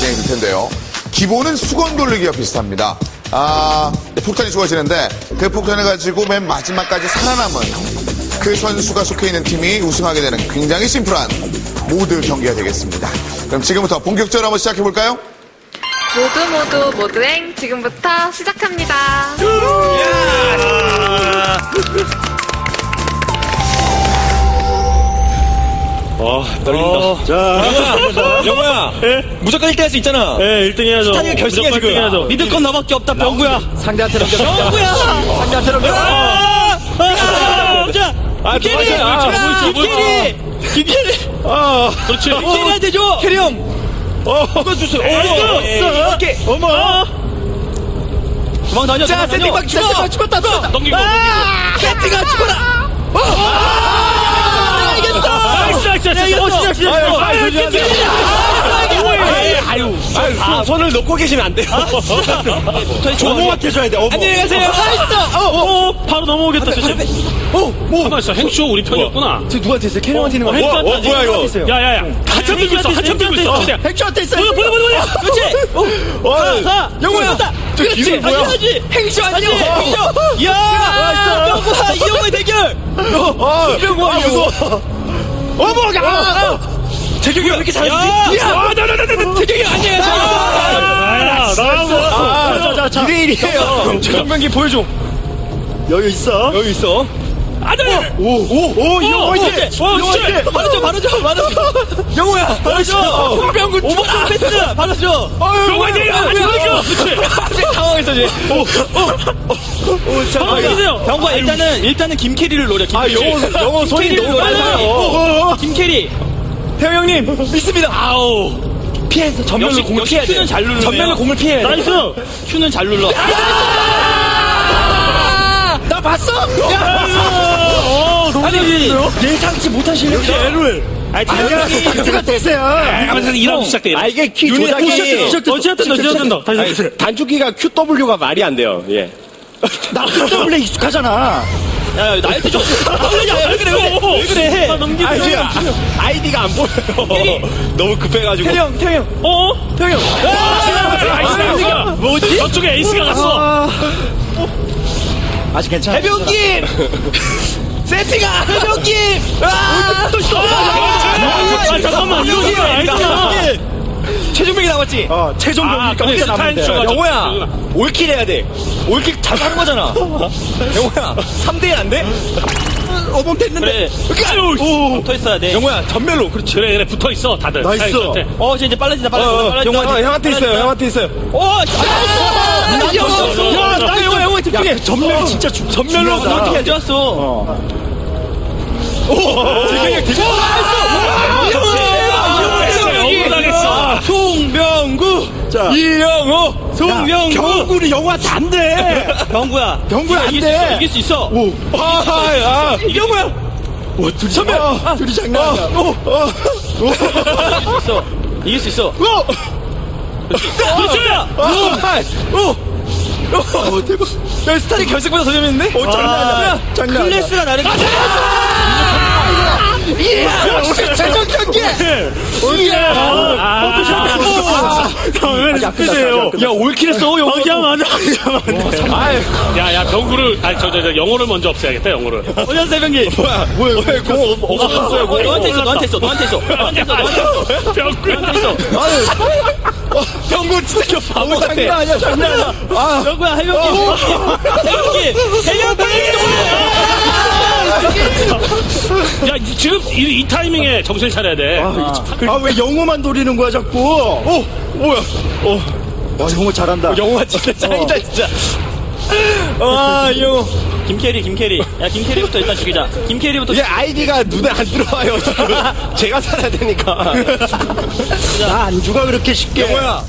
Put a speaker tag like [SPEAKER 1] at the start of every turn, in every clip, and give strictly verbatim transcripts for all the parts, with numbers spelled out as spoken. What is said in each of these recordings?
[SPEAKER 1] 진행이 될 텐데요. 기본은 수건 돌리기와 비슷합니다. 아, 폭탄이 쏘아지는데 그 폭탄을 가지고 맨 마지막까지 살아남은 그 선수가 속해 있는 팀이 우승하게 되는 굉장히 심플한 모드 경기가 되겠습니다. 그럼 지금부터 본격적으로 한번 시작해볼까요?
[SPEAKER 2] 모두 모두 모두행 지금부터 시작합니다.
[SPEAKER 3] 아, 떨린다.
[SPEAKER 4] 어.
[SPEAKER 3] 자, 영호야, 영호야.
[SPEAKER 4] 예?
[SPEAKER 3] 무조건 일 등 할 수 있잖아.
[SPEAKER 4] 예, 일 등 해야죠.
[SPEAKER 3] 스타니가 결승이야,
[SPEAKER 4] 무조건
[SPEAKER 3] 지금.
[SPEAKER 4] 일 등 해야죠.
[SPEAKER 3] 믿을 건 너밖에 없다, 병구야.
[SPEAKER 4] 상대한테 넘겨.
[SPEAKER 3] 병구야!
[SPEAKER 4] 상대한테 넘겨.
[SPEAKER 3] 아! 아! 자,
[SPEAKER 4] 아,
[SPEAKER 3] 김캐리!
[SPEAKER 4] 아,
[SPEAKER 3] 아,
[SPEAKER 4] 아,
[SPEAKER 3] 김캐리! 김캐리!
[SPEAKER 4] 아,
[SPEAKER 3] 그렇지. 김캐리한테 줘! 캐리 형! 어, 이거 주세요. 어, 이렇게.
[SPEAKER 4] 어머.
[SPEAKER 3] 도망 다녀.
[SPEAKER 4] 자, 세팅박 세팅박 죽었다, 죽었다.
[SPEAKER 3] 넘기고, 넘기고. 세팅아, 죽어라! 아! 이겼어!
[SPEAKER 4] 나이스, 나이스, 나이스. 어, 시작, 시작.
[SPEAKER 3] 아유,
[SPEAKER 4] 아유,
[SPEAKER 3] 아유,
[SPEAKER 4] 조심하세요.
[SPEAKER 3] 아유, 아유, 아, 손을 놓고 계시면 안 돼요.
[SPEAKER 4] 어머한테 줘야 돼, 어머.
[SPEAKER 3] 안녕히 가세요.
[SPEAKER 4] 나이스. 어, 어, 바로 넘어오겠다, 조심.
[SPEAKER 3] 어, 뭐?
[SPEAKER 5] 가만 있어. 행쇼 우리 편이었구나.
[SPEAKER 3] 저 누구한테 있어요? 캐리한테 있는 거.
[SPEAKER 5] 어,
[SPEAKER 3] 어,
[SPEAKER 5] 어,
[SPEAKER 3] 뭐야, 이거?
[SPEAKER 5] 야야야. 한참 들고 있어. 한참 들고 있어. 그냥
[SPEAKER 4] 핵쇼한테 있어요.
[SPEAKER 5] 보여 보여 보여 보여.
[SPEAKER 3] 그렇지. 어, 가, 가. 영호야.
[SPEAKER 4] 저 기술 뭐야?
[SPEAKER 3] 당연하지. 행쇼 아니지. 행쇼. 야, 병구와 이영호의 대결.
[SPEAKER 4] 아,
[SPEAKER 3] 병구와
[SPEAKER 4] 무서워. 어머, 야.
[SPEAKER 3] 재경이 왜 이렇게 잘하지? 야, 나나나나. 재경이 아니에요.
[SPEAKER 4] 아, 나가고. 아, 자, 자, 자.
[SPEAKER 3] 이 대 일이에요. 정명기 보여줘.
[SPEAKER 4] 여기 있어.
[SPEAKER 3] 여기 있어. 아들!
[SPEAKER 4] 오, 오, 오, 이거
[SPEAKER 3] 어,
[SPEAKER 4] 화이팅!
[SPEAKER 3] 그렇지.
[SPEAKER 4] 어,
[SPEAKER 3] 그렇지.
[SPEAKER 4] 화이팅!
[SPEAKER 3] 바로 줘, 바로 줘, 바로 줘. 영호야, 바로 줘. 홍병구 오버스 패스, 바로 줘.
[SPEAKER 4] 아유,
[SPEAKER 5] 화이팅!
[SPEAKER 3] 그렇지. 당황했어, 이제. 오, 오, 오, 자,
[SPEAKER 5] 당황했어요.
[SPEAKER 3] 병구야, 일단은, 일단은 김캐리를 노려,
[SPEAKER 4] 아,
[SPEAKER 3] 김캐리.
[SPEAKER 4] 영어, 영어 손이
[SPEAKER 3] 김캐리를
[SPEAKER 4] 너무
[SPEAKER 3] 노려요.
[SPEAKER 4] 빨라요.
[SPEAKER 3] 어, 어. 김캐리. 태호 형님, 믿습니다. 아우. 피해서 전면을
[SPEAKER 5] 역시-
[SPEAKER 3] 공을
[SPEAKER 5] 역시
[SPEAKER 3] 피해야 돼.
[SPEAKER 5] 큐는 잘 누르네요.
[SPEAKER 3] 전면을 공을 피해야 돼.
[SPEAKER 4] 나이스!
[SPEAKER 3] 큐는 잘 눌러. 나 봤어?
[SPEAKER 4] 어, 너무
[SPEAKER 3] 아니,
[SPEAKER 4] 잘했어요.
[SPEAKER 3] 예상치 못한 실력.
[SPEAKER 4] 역시 에르웰.
[SPEAKER 3] 아니,
[SPEAKER 4] 아니야, 단추가 됐어요.
[SPEAKER 5] 하면서 일하고 시작돼.
[SPEAKER 6] 아 이게 키
[SPEAKER 4] 유닛
[SPEAKER 6] 조작이
[SPEAKER 4] 시작됐다, 시작됐다, 시작됐다. 다시
[SPEAKER 6] 아니,
[SPEAKER 4] 해주세요.
[SPEAKER 6] 단축키가 큐 더블유가 말이 안 돼요. 예.
[SPEAKER 4] 나 원래 익숙하잖아.
[SPEAKER 3] 야, 야, 나한테 좀. 야, 왜 그래, 왜 그래? 왜 그래?
[SPEAKER 4] 아, 넘기고.
[SPEAKER 6] 아 지금 아- 아이디가 안 보여요. 너무 급해가지고.
[SPEAKER 3] 태형, 형, 태형 형.
[SPEAKER 5] 어?
[SPEAKER 3] 태형 형.
[SPEAKER 5] 에이스가 뭐지? 저쪽에 에이스가 갔어.
[SPEAKER 4] 아직 괜찮아.
[SPEAKER 3] 해병김! 세팅아! 해병김! 아! 또 있어!
[SPEAKER 5] 아, 잠깐만. 이거 이거 아니잖아.
[SPEAKER 3] 최종명이 남았지?
[SPEAKER 4] 어, 최종
[SPEAKER 5] 아,
[SPEAKER 4] 경기가
[SPEAKER 5] 근데
[SPEAKER 4] 혼자 남는데.
[SPEAKER 5] 스타일 쇼가
[SPEAKER 3] 영호야! 올킬 해야 돼. 올킬 잘 하는 거잖아. 영호야, 삼 대 일 안 돼?
[SPEAKER 4] 어범 됐는데.
[SPEAKER 3] 그래. 오, 붙어 있어야 돼. 영호야, 전멸로. 그렇지.
[SPEAKER 5] 그래 그래 붙어 있어 다들.
[SPEAKER 4] 나이스.
[SPEAKER 5] 사이드한테.
[SPEAKER 3] 어, 이제 빨라진다, 빨라진다, 빨라진다.
[SPEAKER 6] 영호한테, 형한테 있어요. 형한테 있어요.
[SPEAKER 3] 어, 나 영호! 야, 나 영호, 영호, 집중해.
[SPEAKER 4] 전멸이 진짜 주,
[SPEAKER 3] 전멸로
[SPEAKER 4] 중요하다.
[SPEAKER 3] 어떻게 좋았어.
[SPEAKER 4] 어.
[SPEAKER 3] 재경이 형, 되게
[SPEAKER 5] 영웅 당했어.
[SPEAKER 3] 송병구!
[SPEAKER 4] 자.
[SPEAKER 3] 이영호! 송병구!
[SPEAKER 4] 경구리 영화한테 안 돼.
[SPEAKER 3] 병구야.
[SPEAKER 4] 병구야, 안
[SPEAKER 3] 이길
[SPEAKER 4] 돼.
[SPEAKER 3] 수 있어, 이길 수 있어.
[SPEAKER 4] 오.
[SPEAKER 3] 아, 아, 이영호야!
[SPEAKER 4] 와, 둘이 선배. 둘이 장난 아니야. 오, 어.
[SPEAKER 3] 이길 수 있어. 이길 수 있어.
[SPEAKER 4] 오.
[SPEAKER 3] 그렇지! 오! 오! 대박. 야, 스타리 결승보다 더 재밌는데?
[SPEAKER 4] 오, 장난 아니야. 장난 아니야.
[SPEAKER 3] 클래스가 나를.
[SPEAKER 4] 역시 최종 경기.
[SPEAKER 5] 아,
[SPEAKER 4] 왜 스피드예요?
[SPEAKER 3] 야, 올킬 했어, 영호.
[SPEAKER 4] 그냥 맞아.
[SPEAKER 5] 야야 병구를 아니 저 저 저 영어를 먼저 없애야겠다 영어를.
[SPEAKER 3] 오년 새벽기.
[SPEAKER 4] 뭐야, 뭐야, 왜 공 없었어요?
[SPEAKER 3] 어, 너한테 있어, 너한테 있어, 너한테 있어. 너한테 있어, 너한테 있어.
[SPEAKER 5] 병구.
[SPEAKER 3] 너한테 있어.
[SPEAKER 4] 경구 진짜 바보 같아. 장난 아니야, 장난 아니야. 아,
[SPEAKER 3] 영구야, 해병기. 해병기. 해병기.
[SPEAKER 5] 야 지금 이, 이 타이밍에 정신 차려야 돼.
[SPEAKER 4] 아, 왜 영어만 노리는 거야, 자꾸? 오, 뭐야? 어. 와, 영어 잘한다.
[SPEAKER 3] 영호가 진짜 짱이다, 진짜. 와, 이영호. 김캐리, 김캐리. 야, 김캐리부터 일단 죽이자. 김캐리부터.
[SPEAKER 6] 이게 아이디가 눈에 안 들어와요. 지금. 제가 살아야 되니까.
[SPEAKER 4] 나 안주가 그렇게 쉽게.
[SPEAKER 6] 영호야.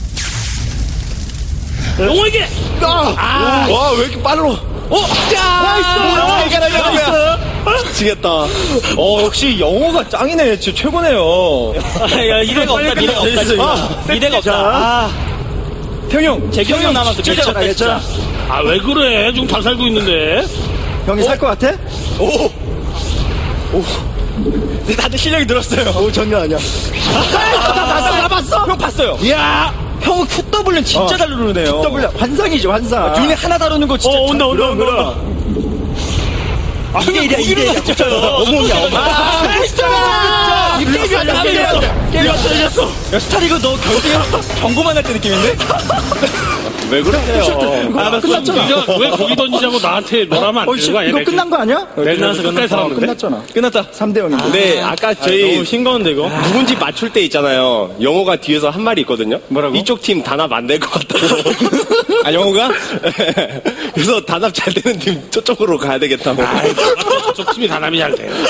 [SPEAKER 5] 영호에게.
[SPEAKER 6] 아, 와, 왜 이렇게 빠르러.
[SPEAKER 3] 어? 야!
[SPEAKER 6] 나이스! 나이스! 미치겠다.
[SPEAKER 3] 어, 역시 영호가 짱이네. 진짜 최고네요. 야, 이래가 없다, 미래가 없다, 진짜. 미래가 없다. 아. 태형 형, 재경 형 남았어. 미래가
[SPEAKER 4] 괜찮아,
[SPEAKER 3] 없다,
[SPEAKER 4] 괜찮아.
[SPEAKER 3] 진짜.
[SPEAKER 5] 아 왜 그래? 지금 잘 살고 있는데.
[SPEAKER 4] 형이 살 것 같아?
[SPEAKER 3] 오! 오! 근데 다들 실력이 늘었어요.
[SPEAKER 4] 오, 장난 아니야.
[SPEAKER 3] 나 봤어, 나 봤어! 형 봤어요.
[SPEAKER 4] 이야!
[SPEAKER 3] 형은 큐더블은 진짜 잘 누르네요.
[SPEAKER 4] 더블 환상이죠, 환상.
[SPEAKER 3] 눈에 하나 다루는 거 진짜.
[SPEAKER 5] 어, 온다, 온다, 온다, 온다.
[SPEAKER 3] 아, 이게 이래, 이게 이래.
[SPEAKER 4] 어머니야, 어머니.
[SPEAKER 3] 아, 진짜! 이 게임이 아니야, 게임이었어. 게임이었어, 이겼어. 야, 스타리그 너 경쟁 경고만 할 때 느낌인데?
[SPEAKER 6] 왜 그러세요?
[SPEAKER 5] 아, 끝났잖아. 네가 왜 거기 던지자고 나한테 뭐라면 안
[SPEAKER 4] 어,
[SPEAKER 5] 되는
[SPEAKER 4] 씨,
[SPEAKER 5] 거 아니야?
[SPEAKER 4] 이거 끝난 거 아니야?
[SPEAKER 5] 끝나서 끝까지 살았는데?
[SPEAKER 4] 끝났잖아.
[SPEAKER 3] 끝났다.
[SPEAKER 4] 삼 대 영인데.
[SPEAKER 6] 네, 아까 저희
[SPEAKER 5] 너무 싱거운데, 이거?
[SPEAKER 6] 누군지 맞출 때 있잖아요. 영호가 뒤에서 한 말이 있거든요.
[SPEAKER 3] 뭐라고?
[SPEAKER 6] 이쪽 팀 단합 안 될 것 같다고.
[SPEAKER 3] 아, 영호가?
[SPEAKER 6] 그래서 단합 잘 되는 팀 저쪽으로 가야 되겠다고.
[SPEAKER 5] 저쪽 팀이 단합이 잘 돼.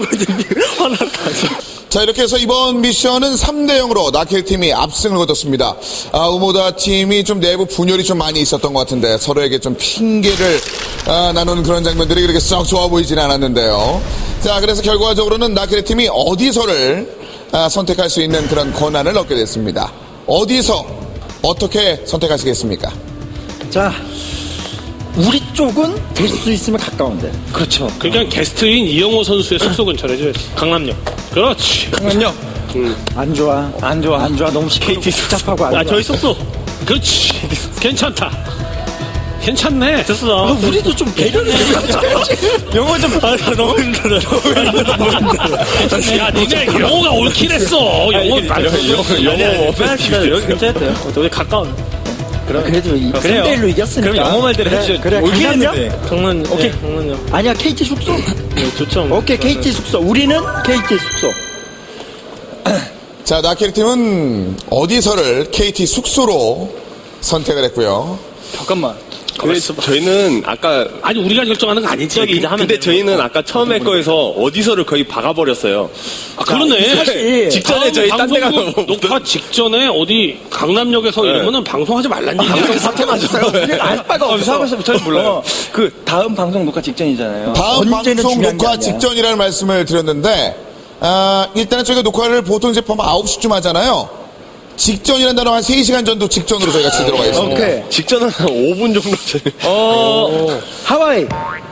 [SPEAKER 1] 자, 이렇게 해서 이번 미션은 삼 대 영으로 나켈 팀이 압승을 거뒀습니다. 아, 우모다 팀이 좀 내부 분열이 좀 많이 있었던 것 같은데 서로에게 좀 핑계를 아, 나누는 그런 장면들이 그렇게 썩 좋아 보이지는 않았는데요. 자, 그래서 결과적으로는 나켈 팀이 어디서를 아, 선택할 수 있는 그런 권한을 얻게 됐습니다. 어디서 어떻게 선택하시겠습니까?
[SPEAKER 4] 자, 우리 쪽은 될 수 있으면 가까운데.
[SPEAKER 3] 그렇죠.
[SPEAKER 5] 그러니까 게스트인 이영호 선수의 숙소 근처로 해줘야지. 강남역. 그렇지.
[SPEAKER 3] 잠깐만요.
[SPEAKER 4] 안 좋아.
[SPEAKER 3] 안 좋아.
[SPEAKER 4] 안 좋아. 너무 케이티 복잡하고 안
[SPEAKER 5] 야,
[SPEAKER 4] 좋아.
[SPEAKER 5] 저희 숙소. 그렇지. 괜찮다. 괜찮네. 됐어.
[SPEAKER 4] 아, 우리도 좀 배려를 해줘야지.
[SPEAKER 3] 영호 좀, 아, 너무 힘들어.
[SPEAKER 5] 야, 니네 영호가 옳긴 했어. 영호
[SPEAKER 3] 영호, 빼합시다. 여기 괜찮았대요.
[SPEAKER 5] 우리 가까운.
[SPEAKER 4] 그래도 이
[SPEAKER 3] 그래요.
[SPEAKER 4] 삼 대 일로 이겼으니까.
[SPEAKER 3] 그럼 영호 말대로
[SPEAKER 4] 그래,
[SPEAKER 3] 해주죠.
[SPEAKER 4] 그래,
[SPEAKER 3] 올긴
[SPEAKER 4] 강남역?
[SPEAKER 3] 했는데.
[SPEAKER 5] 강남,
[SPEAKER 3] 오케이.
[SPEAKER 5] 강남역.
[SPEAKER 4] 아니야, 케이티 숙소?
[SPEAKER 5] 네, 좋죠.
[SPEAKER 4] 오케이, 케이티 숙소. 우리는 케이티 숙소.
[SPEAKER 1] 자, 나켈 팀은 어디서를 케이티 숙소로 선택을 했고요.
[SPEAKER 3] 잠깐만.
[SPEAKER 6] 근데 저희는 아까
[SPEAKER 5] 아니, 우리가 결정하는 거 아니지. 저기 이제 하면
[SPEAKER 6] 근데
[SPEAKER 5] 되는
[SPEAKER 6] 저희는
[SPEAKER 5] 거고.
[SPEAKER 6] 아까 처음에 거에서 어디서를 거의 박아버렸어요.
[SPEAKER 5] 아, 그러네.
[SPEAKER 4] 사실
[SPEAKER 6] 직전에 저희 딴 데 가서
[SPEAKER 5] 방송국 녹화 직전에 어디 강남역에서 이러면은 방송하지 말란 얘기야.
[SPEAKER 6] 사태 맞았어요.
[SPEAKER 4] 우리는 알 바가
[SPEAKER 3] 어,
[SPEAKER 4] 없어.
[SPEAKER 3] 사과서 잘 몰라요. 그 다음 방송 녹화 직전이잖아요.
[SPEAKER 1] 다음
[SPEAKER 4] 언제는
[SPEAKER 1] 방송
[SPEAKER 4] 중요한 게
[SPEAKER 1] 녹화
[SPEAKER 4] 아니야.
[SPEAKER 1] 직전이라는 말씀을 드렸는데 아, 일단은 저희가 녹화를 보통 이제 보면 아홉 시쯤 하잖아요. 직전이라는 단어 한 세 시간 전도 직전으로 저희가 치도록 하겠습니다.
[SPEAKER 4] 오케이.
[SPEAKER 6] 직전은 한 오 분 정도 전에.
[SPEAKER 3] 어,
[SPEAKER 4] 하와이.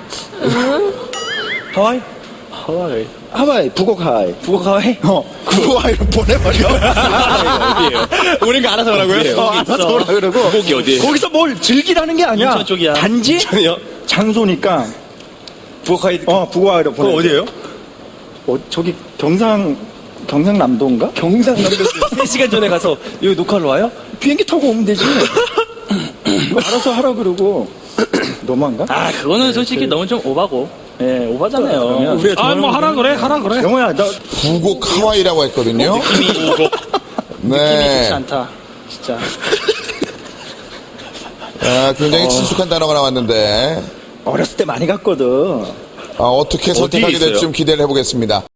[SPEAKER 3] 하와이?
[SPEAKER 5] 하와이.
[SPEAKER 4] 하와이. 북옥 하와이.
[SPEAKER 3] 북옥 하와이?
[SPEAKER 4] 어. 북옥 하와이로 보내버려.
[SPEAKER 3] 우리가 알아서 하라고요?
[SPEAKER 4] 어, 알아서 오라 그러고.
[SPEAKER 6] 거기 어디에?
[SPEAKER 4] 거기서 뭘 즐기라는 게 아니야.
[SPEAKER 3] 인천 쪽이야.
[SPEAKER 4] 단지
[SPEAKER 6] 전이요?
[SPEAKER 4] 장소니까.
[SPEAKER 3] 북옥 하와이.
[SPEAKER 4] 어, 북옥 하와이로 보내.
[SPEAKER 3] 그거 어디에요?
[SPEAKER 4] 어, 저기 경상, 경상남도인가?
[SPEAKER 3] 경상남도 세 시간 전에 가서 여기 녹화를 와요?
[SPEAKER 4] 비행기 타고 오면 되지. 이거 알아서 하라 그러고. 너무한가?
[SPEAKER 3] 아, 그거는 솔직히 너무 좀 오바고. 예, 오바잖아요.
[SPEAKER 4] 그러면
[SPEAKER 3] 우리가
[SPEAKER 5] 아, 뭐 하라 그래, 하라 그래.
[SPEAKER 4] 영호야, 너
[SPEAKER 1] 부곡 하와이라고 했거든요. 네.
[SPEAKER 3] 좋지 않다. 진짜.
[SPEAKER 1] 아, 굉장히 친숙한 단어가 나왔는데
[SPEAKER 4] 어렸을 때 많이 갔거든.
[SPEAKER 1] 아, 어떻게 선택하게
[SPEAKER 6] 있어요?
[SPEAKER 1] 될지 좀 기대를 해보겠습니다.